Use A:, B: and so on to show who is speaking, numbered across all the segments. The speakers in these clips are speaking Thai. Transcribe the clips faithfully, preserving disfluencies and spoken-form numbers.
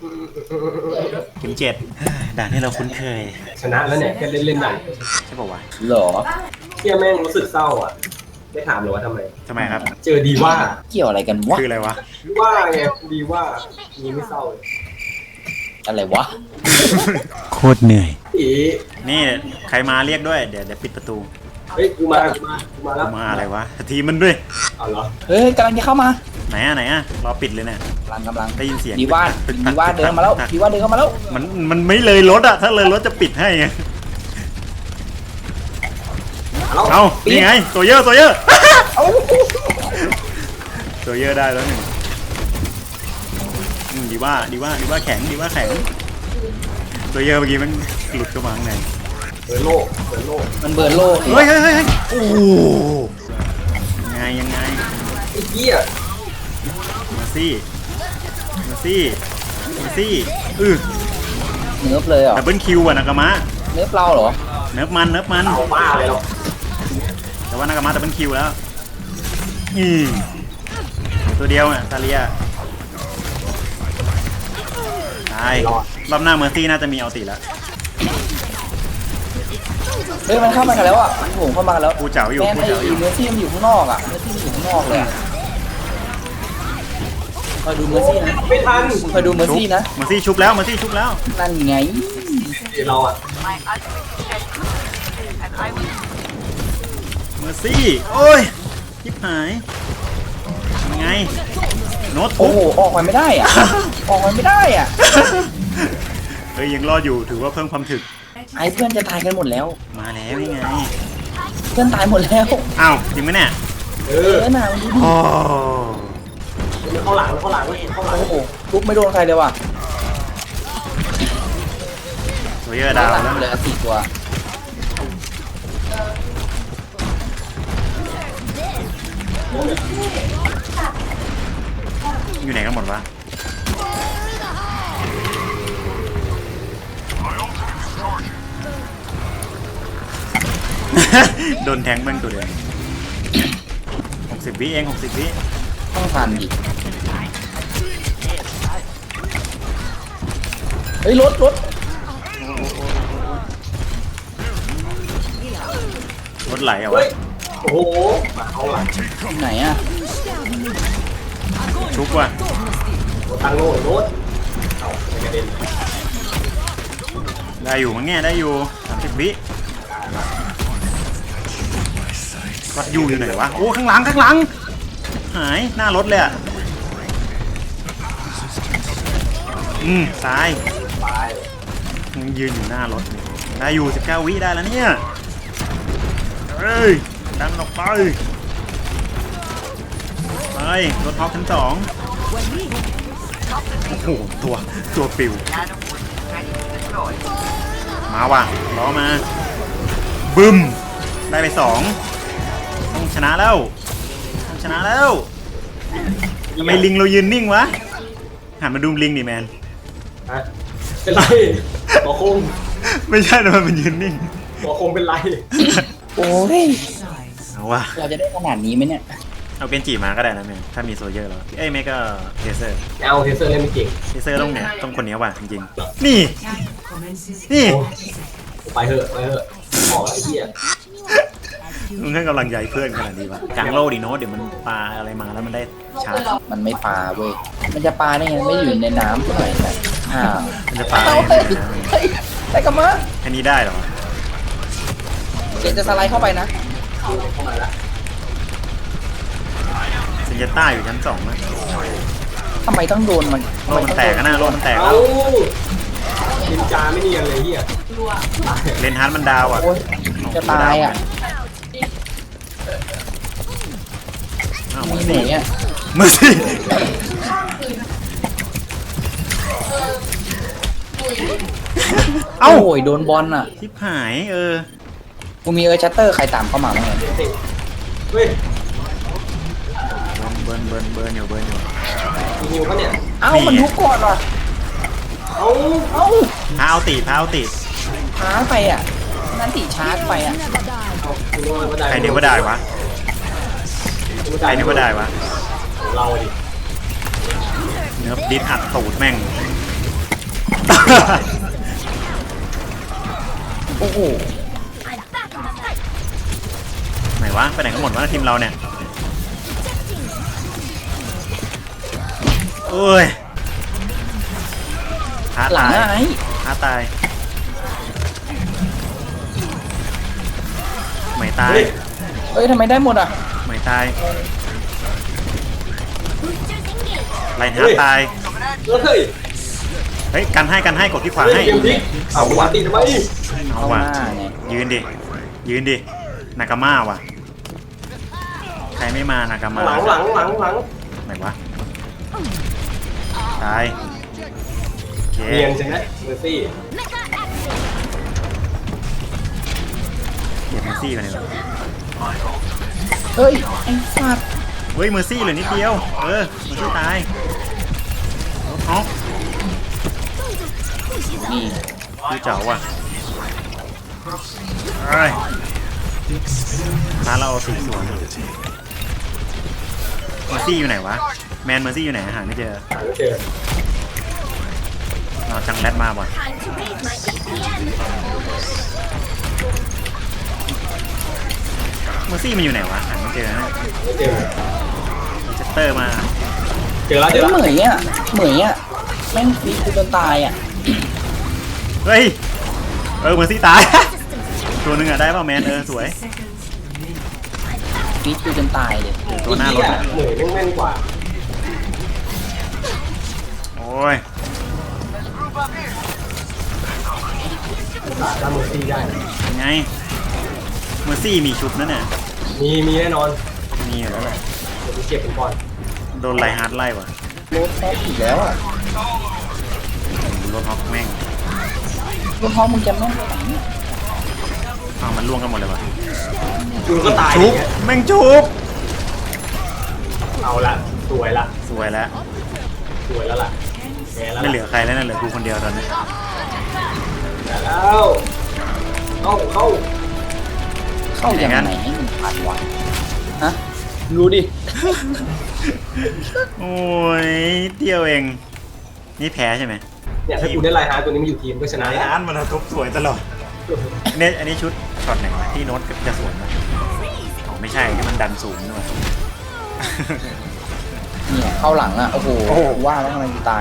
A: ถึงเจ็ดด่านที่เราคุ้นเคย
B: ชนะแล้วเนี่ยแค่เล่นเล่นๆด่าน
A: ใช่ป่าวะ
C: หรอ
B: เที่ยแม่งรู้สึกเศร้าอ่ะไม่ถามเลยว่าทำไม
A: ทำไมครับ
B: เจอดีว่า
C: เกี่ยวอะไรกันวะ
A: คืออะไรวะ
B: ดีว่าไงดีว่านี้ไม่เศร้าเลย
C: อะไรวะ
A: โคตรเหนื่อย
B: อี
A: นี่ใครมาเรียกด้วยเดี๋ยวเดี๋ยวปิดประตู
B: เฮ้ยกูมากูมากูมาแล้ว
A: มาอะไรวะทีมันด้วย
B: เอาเหรอ
C: เฮ้ยกำลังจะเข้ามา
A: ไหนอะไหนอะรอปิดเลยเนี่ย
C: กำลังกำลัง
A: ได้ยินเสียง
C: ดีว่าดีว่าเดินมาแล้วดีว่าเดินเข้ามาแล้ว
A: มันมันไม่เลยรถอะถ้าเลยรถจะปิดให้ไงเอานี่ไงตัวเยอะตัวเยอะตัวเยอะได้แล้วหนึ่งดีว่าดีว่าดีว่าแข็งดีว่าแข็งตัวเยอะเมื่อกี้มันหลุดเข้ามาข้างใน
B: เบิร์นโลกเบิร์นโลก
C: มันเบิร์นโลก
A: เฮ้ยเฮ้ยเฮ้ยโอ้ยังไงยังไง
B: ไอ้เหี้ย
A: มาซี่มาซี่มาซี่อือ
C: เนิร์ฟเลยเหรอ
A: ดับเบิลคิวอะนากามะ
C: เนิร์ฟเราเหรอ
A: เนิร์ฟมันเนิร์ฟมัน
B: เอาบ้าเลยหรอ
A: แต่ว่านากามะดับเบิลคิวแล้วอืมตัวเดียวอ่ะซาเลียตายรอบหน้าเมอร์ซี่น่าจะมีเอาตีแล้ว
C: เฮ้ยมันเข้ามากันแล้วอ่ะมันโผล่เข้ามาแล้ว
A: กูเจ๋าอยู่กูเจ๋าอยู่
C: เมอร์ซี่มันอยู่ข้างนอกอ่ะเมอร์ซี่มันอยู่ข้างนอกเลยคอยดูเมอร์ซี่นะ
B: ไม่ทัน
C: คอยดูเมอร์ซี่นะ
A: เมอร์ซี่ชุบแล้วเมอร์ซี่ชุบแล้ว
C: นั่นไง
B: เราอ่ะ
A: เมอร์ซี่โอ้ยยิบหายยังไงโน้ต
C: โอ้โหออกมาไม่ได้อ่ะออกมาไม่ได้อ่ะ
A: เฮ้ยยังรอดอยู่ถือว่าเพิ่มความถึก
C: ไอ้เพื่อนจะตายกันหมดแล้ว
A: มาแล้วยังไง
C: เพื่อนตายหมดแล้ว
A: อ้าวจริงไหมเนี่ย
B: เอ
C: อหนาวดูดิ
A: โอ้
B: เข้าหลังเข้าหลังเข้าหลัง
C: โอ้โหทุบไม่โดนใครเลยว่ะ
A: ตัวเยอะดาวแล้ว
C: เลยสี่ตัว
A: อยู่ไหนกันหมดวะโดนแทงแม่งตัวเดียวหกสิบวิเองหกสิบวิ
C: ต้องทันดิเฮ้ยรถรถ
A: รถไหลเอาวะ
B: โอ้โหมาเอาหลัง
C: ไหนอ่ะ
A: ชุบว่ะ
B: ตังโง่รถเอากระเด็น
A: ได้อยู่มั้งแง่ได้อยู่สามสิบวิวัดอยู่อยู่ไหนวะโอ้ข้างหลังข้างหลังหายหน้ารถเลยอ่ะอืมตายยังยืนอยู่หน้ารถได้อยู่สิบเก้าวิได้แล้วเนี่ยเฮ้ยดันออกไปไปรถท็อปชั้นสองโอ้โหตัวตัวปิวมาว่ะล้อมาบึ้มได้ไปสองต้องชนะแล้วต้องชนะแล้วทำไมลิงเรายืนนิ่งวะหันมาดูลิงดิแมน
B: เป็นไรหัวคง
A: ไม่ใช่นะมันยืนนิ่ง
B: หัวคงเป็นไร
C: โอ้ย
A: เอาวะ
C: เราจะได้ขนาดนี้ไหมเนี่ย
A: เอาเกนจิมาก็ได้นะแม่ถ้ามีโซเยอร์แล้วเอ้ยแม่ก็เทเซอร์
B: เอาเทเซอร์เล่นไม่เก่ง
A: เทเซอร์ต้องเนี่ยต้องคนนี้ว่ะจริงๆนี่นี่
B: ไปเถอะไปเถอะขอไอ้เหี้ย
A: มึงให้กำลังใจเพื่อนขนาดนี้วะกลางโลดิโน้ตเดี๋ยวมันปลาอะไรมาแล้วมันได้ชาร์จ
C: มันไม่ปลาเว้ยมันจะปลาได้ไงไม่อยู่ในน้ำทำไมนะอ้าว
A: มันจะปลา
C: ไอ้กระมัง
A: แค่นี้ได้หรอ
C: เดี๋ยวจะสไลด์เข้าไปนะ
A: เซนเจต้าอยู่ชั้นสองนะ
C: ทำไมต้องโดนมัน
A: โลมันแตกนะโลมันแตกแล้ว
B: ลินจาไม่เนียนเลยเฮีย
A: เลนฮาร์ดมันดาวอ่ะ
C: จะตายอ่ะ
A: มือ
C: สิ
A: มือสิ
C: เอ้าโอยโดนบอลอ่ะ
A: ทิพหายเออ
C: กูมีเออร์ชัตเตอร์ใครตามเข้ามาบ้างเนี่ย
B: เฮ้ย
A: เบิร์นเบิร์นเบิร์นอยู่เบิร์นอยู่
B: มีนิวก็เนี่ย
C: เอ้ามันทุกก่อนว่ะ
B: เอ้า
C: เอ้า
A: พาเอาตีพาเอาตี
C: ช้าไปอ่ะนั่นตีชาร์จไปอ่ะ
A: ใครเนวได้วะใครเนวได้วะ
B: เราดิ
A: เนื้อดิสอัดตูดแม่ง
C: โอ้โห
A: ไหนวะไปไหนกันหมดวะทีมเราเนี่ยโอ้ยท้า
C: หลัง
A: ตาย
C: อะไอ้
A: ท้าตายไม่ตาย
C: เอ้ยทำไมได้หมดอ่ะ
A: ไม่ตายไล่ท้าตาย
B: เฮ้ย
A: เฮ้ยกันให้กันให้กดที่ขวา
B: เฮ้
A: ให้
B: ยเกมพลิกเอาวาตีทำไม
A: เอา
C: เข้าห
A: ว่ะ
C: น้าไง
A: ยืนดิยืนดินากาม่าว่ะใครไม่มานากาม่า
B: หลังหลังหลังหลัง
A: ไหนวะตายโอเค
B: เนียนใช่ไหมเมอร์ซี่
A: เก็บเมอร์ซี่ไปเลยเหรอ
C: เฮ้ยไอ้สัตว์
A: เฮ้ยเมอร์ซี่เหลือนิดเดียวเออเมอร์ซี่ตายเอา
C: นี่
A: ดูเจ๋าว่ะเอ้ยท้าเราเอาสีสวนเมอร์ซี่อยู่ไหนวะแมนเมอร์ซี่อยู่ไหนหาไม่เจอ
B: หาไม่เจอ
A: เราจังแรดมาบ่ะเมอร์ซี่มันอยู่ไหนวะหาไม่เจอนะ
B: ไม่เจอ
A: เจสเตอร์มา
B: เจอแล้วเจ
C: เฮ้
B: อย แล้ว
C: เหมยอ่ะเหมยอ่ะแม่งฟีกูจนตายอ่ะ
A: เฮ้ยเออเมอร์ซี่ตาย ตัวหนึงอะได้ป่ะแมนเออสวย
C: ฟีกูจนตายเลย
A: ตัวหน้ารถ
B: อ่ะ
A: อะ
B: เหนื่อยแม่นกว่า
A: โอ้ย
B: ตาดเมอร์ซี่ได้
A: ยังไงเมอร์ซี่มีชุบนั่นน่ะ
B: มีมีแน่นอน
A: มีอยู่แล้วแหละ
B: เดี๋ยวไปเก็บเป็นก่อน
A: โดนไลฮาร์ดไล่ว่ะ
C: โรถแท็กอีกแล้วอ่ะ
A: รถฮอกแม่ง
C: รถท้องมึงจะแม่งไปไหนเนี่ย
A: อ้าวมันล่วงกันหมดเลยวะ
B: คุณก็ตาย
A: ชุ
B: อบ ย่างเงี้ย
A: แม่งชุบ
B: เอาละสวยละ
A: สวยแล้ว
B: สวยแล้วล่ะแพ้แล้ว
A: ไม่
B: ล่ะ
A: เหลือใครแล้วนะเหลือกูคนเดียวตอนนี้
B: แต่แล้วเข้าเข้า
C: เข้ายังไงให้มันผ่านวะฮะรู้ดิ
A: โอ้ยเดียวเองนี่แพ้ใช่ไหม
B: เนี่ยถ้ากูได้ไลน์ฮาร์ดตัวนี้มาอยู่ทีมก็ชนะ
A: ไล
B: แล้ว
A: ฮาร์ดมันทุบสวยตลอดอันนี้อันนี้ชุดช็อตไหนวะที่โน้ตจะสวนนะอ๋อไม่ใช่ที่มันดันสูงด้วย
C: เนี่ยเข้าหลังอ่ะโอ้โห
A: โอ้โห
C: ว่าแล้วทำไมกูตาย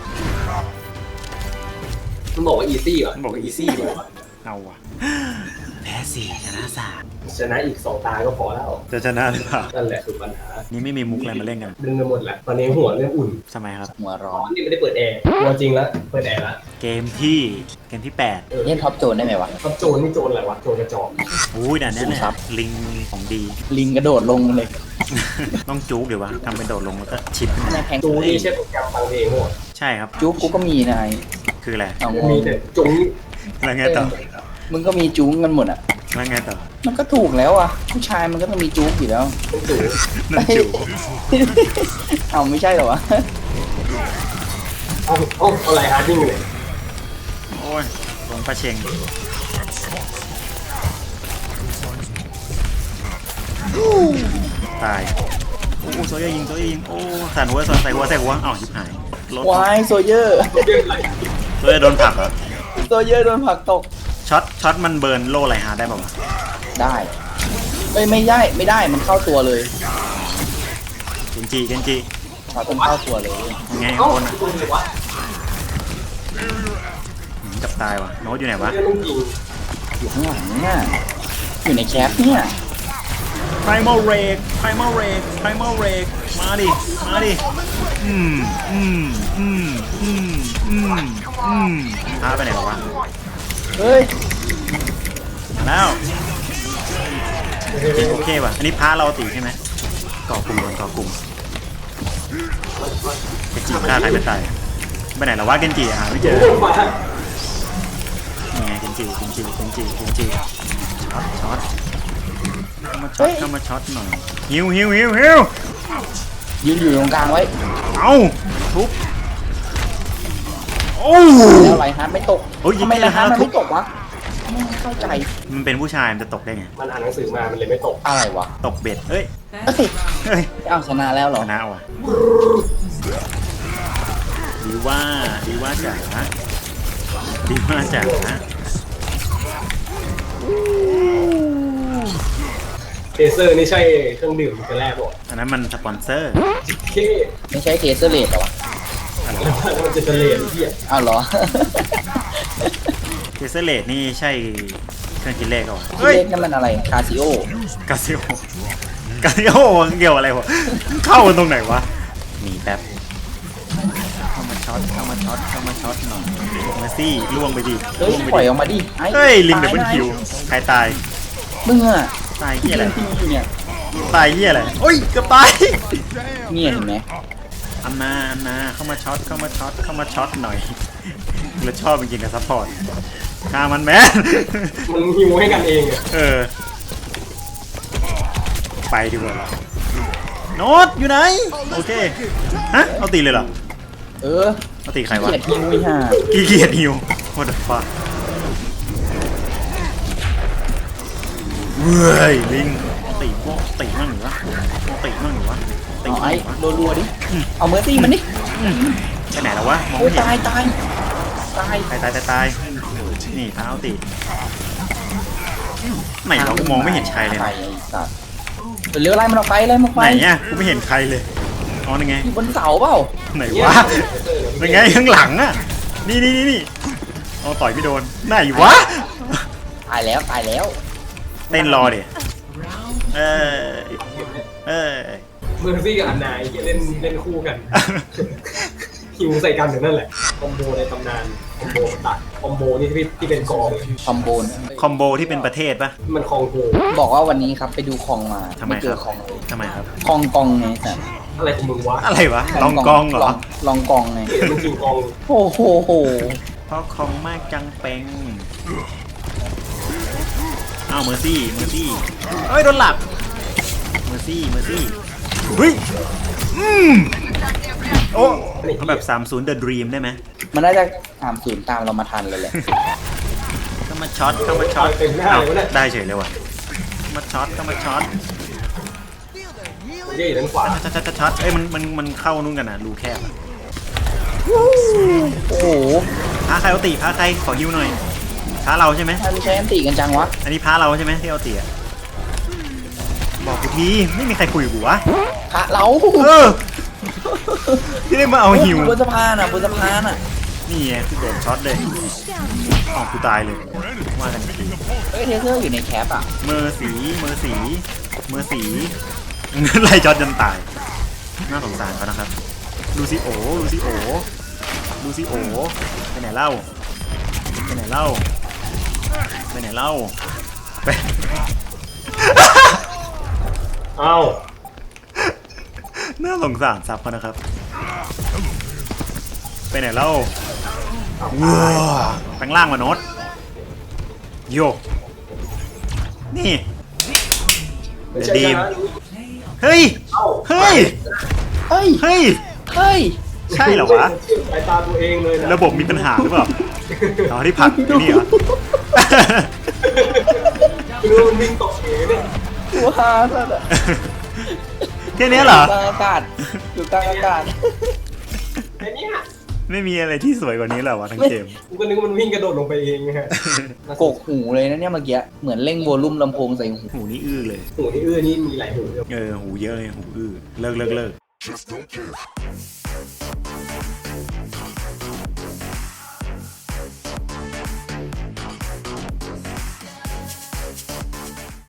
B: มันบอกว่าอีซี่เหรอ
A: มันบอกว่าอีซี่ว่ะเอาว่ะแพ้สี่ชนะสาม
B: ชนะอีกสองตาก็พอแล้ว
A: จะชนะหรือเปล่า
B: นั่นแหละคือปัญหา
A: นี่ไม่มีมุกอะไรมาเล่นกัน
B: ดึงกันหมดแหละตอนนี้หัวเริ่มอุ่น
A: ทำไมครับ
C: หัวร้อ
B: อ๋อน นี่ไม่ได้เปิดแอร์ตัวจริงแล้วเปิดแอร์แล้ว
A: เกมที่เกมที่แปด
B: เออ
C: เล่นท็อปโจนได้ไหมวะ
B: ท็อปโจรนี่โจรอะไรวะโจรกระจอก
A: อุ้ยด่านนี้เนี่ย
C: ครับ
A: ลิงของดี
C: ลิงกระโดดลงเลย
A: ต้องจุกเดี๋ยววะทำเป็นโดดลงแล้วก็ชิปขึ้น
C: ใน
A: มา
C: แพง
B: จูนี่ใช่โปรแกรมฟังเพลงหมด
A: ใช่ครับ
C: จุ๊กกูก็มีนาย
A: คืออะไร
C: เอาง
B: มี
C: ง
B: แต่จุ้ง
A: แล้วไงต่อ
C: มึงก็มีจุ๊กกันหมดอ่ะ
A: แล้วไงต่อ
C: มันก็ถูกแล้วอ่ะ ผู้ชายมันก็ต้องมีจุ๊กอยู่แล้ว
B: เป็นจู
A: นั่นจุก
C: เอาไม่ใช่เหรอวะ
B: เอาเอาเอาไลน์ฮาร์ดนิ่งเลย
A: โอ้ยลงปลาเชงตายโอ้โซเยอร์ยิงโซเยอร์ยิงโอ้สั่นหัวสั่นใส่หัวใส่หัวอ้าวชิบหายรถ
C: วายโซเยอร์
B: เรื่องอะไร
A: โซเยอร์โดนผลักเหรอ
C: โซเยอร์โดนผลักตก
A: ช็อตช็อตมันเบิร์นโล่ไรฮาร์ดได้ป่าวะ
C: ได้เอ้ยไม่ได้ไม่ได้มันเข้าตัวเลย
A: เกนจิเกนจิ
C: ช็อตมันเข้าตัวเลย
A: ยังไง
B: เอ้า
A: คนอ่ะ
B: จูงเลยวะ
A: หืมจับตายว่ะโน้ตอยู่ไหนวะ
B: เรื่องต้องยิง
C: อยู่ข้างหลังเนี่ยอยู่ในแคปเนี่ย
A: Primal Rage Primal Rage Primal Rage มาดิ มาดิ อืม อืม อืม อืม อืม อืมพาไปไหนหรอวะ
C: เฮ้ย
A: มาแล้วจริงโอเคว่ะ อันนี้พาเราตีใช่ไหมก่อกลุ่มก่อนก่อกลุ่มเกนจิฆ่าใครไม่ตายไปไหนแล้ววะเกนจิอ่ะหาไม่เจอ
B: ลงมา
A: นี่ไงเกนจิเกนจิเกนจิเกนจิช็อตช็อตเข้ามาช็อตเข้ามาช็อตหน่อยฮิวฮิวฮิวฮิว
C: ยืนอยู่ตรงกลางไว้
A: เอาทุบโอ้
C: แล้วไรฮาร์ดไม่ตก
A: โอ้ย
C: ทำไมไรฮาร์ดมัน
A: ทุบ
C: ไม่ตกวะไม่เข้าใจ
A: มันเป็นผู้ชายมันจะตกได้ไง
B: มันอ่านหนังสือมามันเลยไม่ตก
C: อะไรวะ
A: ตกเบ็ดเฮ้ย
C: เอ้ย
A: เฮ้ย
C: เอาชนะแล้วเหรอ
A: ชนะว่ะดีว่าดีว่าจ๋าดีมากจ้ะ
B: เทเซอร์นี่ใช่เครื่องดื่มกันแรกบอก
A: อันนั้นมันสปอนเซอร์
B: เท่
C: ไม่ใช่เทสเซอร์เลดเหรอวะ
B: แล้วมันจะเฉลยเหี้ย
C: อ้าวเหรอ
A: เทเซเลตนี่ใช่เครื่องคิดเลขเหรอ
C: เฮ้ยนั่นมันอะไรคาซิโอก
A: าซิโอกาซิโอเกี่ยวอะไรวะเข้ากันตรงไหนวะหนีแป๊บเข้ามาช็อตเข้ามาช็อตเข้ามาช็อตหน่อยมาซี่ล่วงไปดิ
C: เฮ้ย
A: ล่วงไป
C: ปล่อย
A: ดิ
C: ออกมาดิไอ้
A: เฮ้ยลิงเด
C: ตา
A: บิล
C: นะ
A: คิวใครตาย
C: มึงอะ
A: ตายเหี้ยอะไร
C: ที่อยู่เนี่ย
A: ตายเหี้ยอะไรโอ้ยเกือบตาย
C: เนี่ยเห็นไหม
A: อันนาอันนาเข้ามาช็อตเข้ามาช็อตเข้ามาช็อตหน่อยเราชอบจริงๆกับซัพพอร์ตฆ่ามันแมน
B: มันฮิวให้กันเองอะ
A: เออไปดีกว่าโน้ตอยู่ไหนโอเคฮะเอาตีเลยเหรอ
C: เออ
A: เอาตีใครวะ
C: เกลียดฮิวไอ้ห่า
A: ขี้เกียจหิว what the fuck เว้ยลิงตีพวกตีมั่งหรือวะตีมั่งหรือวะตี
C: เอา
A: มั่ง
C: ไอ้
A: หรือวะ
C: รัวๆดิเอาเมอร์ซี่มันดิ
A: ไปไหนแล้ววะมอง
C: โอ้
A: ไม่
C: ย
A: เห็น
C: ตายตายตาย
A: ตายตายตายตายนี่พาเอาตีไหนเรามองไม่เห็นใครเลย
C: ไป
A: นะ
C: ไอ้สัตว์เร็วไล่มันออกไปไล่มันออก
A: ไห
C: ไป
A: นเนี่ยกูไม่เห็นใครเลยอ๋อนั่นไง
C: อยู่บนเสาเปล่า
A: ไหนวะนั่นไงข้างหลังอ่ะนี่นี่นี่นี่เอาต่อยไม่โดนไหนวะ
C: ตายแล้วตายแล้ว
A: เต้นรอดิเออเออ
B: เมอร์ซี่กับอันนาไอ้เหี้ยเล่นเล่นคู่กันฮิวใส่กันอยู่นั่นแหละคอมโบในตำนานคอมโบตัดคอมโบนี่ที่ที่เป็นกอง
C: คอมโบน
A: คอมโบที่เป็นประเทศปะ
B: มันคองโก
C: บอกว่าวันนี้ครับไปดูคองมา
A: ทำไม
C: เจ
A: ครั
C: อบ คองเลย
A: ทำไมครับ
C: คองกองไงสัตว์
B: อะไรของมึงวะ
A: อะไรวะลองกองเหรอ
C: ลองกองไง
B: เหี้ยมึงคิงกอง
C: โอ้โหโห
A: เพราะคองมากจังเป็งอ้าวเมอร์ซี่เมอร์ซี่เอ้ยโดนหลับเมอร์ซี่เมอร์ซี่เฮ้ยอืมโอ้เขาแบบสามศูนย์ The Dream ได้ไหม
C: มันน่าจะสามศูนย์ตามเรามาทันเลยแหละ
A: เข้ามาช็อตเข้ามาช็อต
B: เต็มหน้า
A: อ้าว
B: เลยเนี่ย
A: ได้เฉยเลยว่ะเข้ามาช็อตเข้ามาช็อต
B: เหี้ยอยู่ด้านขวา
A: ช็อตช็อตช็อตเอ้ยมันมันมันเข้านู่นกันนะรูแคบอะ
C: โอ้โห
A: พาใครเอาตีพาใครขอฮิวหน่อยพาเราใช่ไหม
C: ทำไมใช้อันติกันจังวะ
A: อันนี้พาเราใช่ไหมที่เอาตีอะบอกกูทีไม่มีใครคุยกับกูวะ
C: พระเรา
A: เออที่ได้มาเอาฮิว
C: บนสะพานอ่ะบนสะพานอ่ะ
A: นี่ไงกูโดนช็อตเลยออกกูตายเลยว่ากันที
C: เฮ้ยเทเซอร์อยู่ในแคปอ่ะ
A: เมอร์สีเมอร์สีเมอร์สีไล่ช็อตจนตายน่าสงสารเขานะครับลูซิโอลูซิโอลูซิโอไปไหนเล่าไปไหนเล่าไปไหนเล่าไป
B: เอ้า
A: น่าสงสารซับเขานะครับไปไหนเล่าว้าแปลงร่างมาโนตโยกนี่
B: ไม่ใช่
A: ดีม
B: นะ
A: เฮ้ย
B: เอ้า
A: เฮ้ย
C: เฮ้ย
A: เฮ้ย
C: เฮ้ย
A: ใช่เหรอวะ
B: สายตาตัวเองเลยนะ
A: ระบบมีปัญหาหรือเปล่าอ๋อที่ผักไอ้นี่เหรอ
B: คือมันวิ่งตกเองเนี่ย
C: ว้าสัตว์อะ
A: แค่นี้เหรอ
C: อยู่กลางอากาศอยู่กลางอากาศ
B: ไอ้เนี่ย
A: ไม่มีอะไรที่สวยกว่านี้แล้ววะทั้งเกม
B: กูก็นึกว่ามันวิ่งกระโดดลงไปเองไงฮะ
C: กกหูเลยนะเนี่ยเมื่อกี้เหมือนเร่งโวลูมลำโพงใส่หู
A: หูนี่อื้อเลย
B: หูที่อื้อนี่มีหลายหูเลย
A: เออหูเยอะเลยหูอื้อเลิกเลิกเลิก